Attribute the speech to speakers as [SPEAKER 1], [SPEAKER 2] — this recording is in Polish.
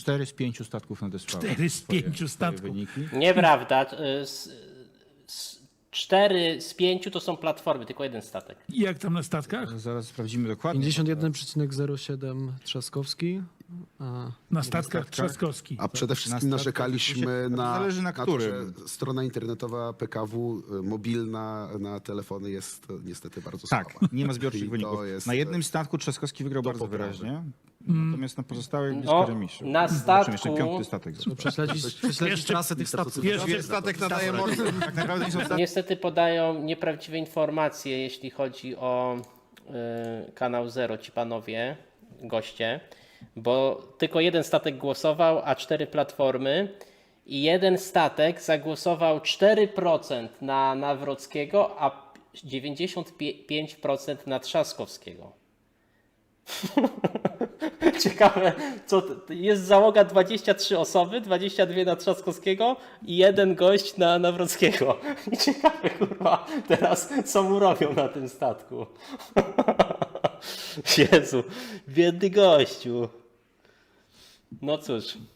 [SPEAKER 1] 4 z 5 statków nadesłało.
[SPEAKER 2] 4 z 5
[SPEAKER 1] swoje
[SPEAKER 2] statków.
[SPEAKER 1] wyniki.
[SPEAKER 3] Nieprawda. 4 z 5 to są platformy, tylko jeden statek.
[SPEAKER 2] I jak tam na statkach?
[SPEAKER 1] Zaraz sprawdzimy dokładnie.
[SPEAKER 4] 51,07 Trzaskowski.
[SPEAKER 2] Na statkach Trzaskowski.
[SPEAKER 5] A przede wszystkim
[SPEAKER 1] Na
[SPEAKER 5] narzekaliśmy
[SPEAKER 1] statkach
[SPEAKER 5] na,
[SPEAKER 1] zależy na
[SPEAKER 5] to,
[SPEAKER 1] którym.
[SPEAKER 5] że strona internetowa PKW mobilna na telefony jest niestety bardzo
[SPEAKER 1] Tak,
[SPEAKER 5] słaba.
[SPEAKER 1] nie ma zbiorczych
[SPEAKER 5] I to
[SPEAKER 1] wyników.
[SPEAKER 5] jest
[SPEAKER 1] Na jednym statku Trzaskowski wygrał bardzo
[SPEAKER 5] poprawy.
[SPEAKER 1] wyraźnie, natomiast na pozostałych blisko
[SPEAKER 3] No,
[SPEAKER 1] remiszu.
[SPEAKER 3] na
[SPEAKER 1] Zobaczymy, jeszcze
[SPEAKER 3] statku-
[SPEAKER 1] 5. statek został.
[SPEAKER 4] Prześledzić trasę tych statków.
[SPEAKER 2] Pierwszy
[SPEAKER 6] Statek nadaje mocy.
[SPEAKER 1] Tak naprawdę nie są statki.
[SPEAKER 3] Niestety podają nieprawdziwe informacje, jeśli chodzi o kanał Zero, ci panowie, goście, bo tylko jeden statek głosował, a 4 platformy i jeden statek zagłosował 4% na Nawrockiego, a 95% na Trzaskowskiego. Ciekawe, jest załoga 23 osoby, 22 na Trzaskowskiego i jeden gość na Nawrockiego. I ciekawe, kurwa, teraz co mu robią na tym statku. Jezu, biedny gościu. No cóż.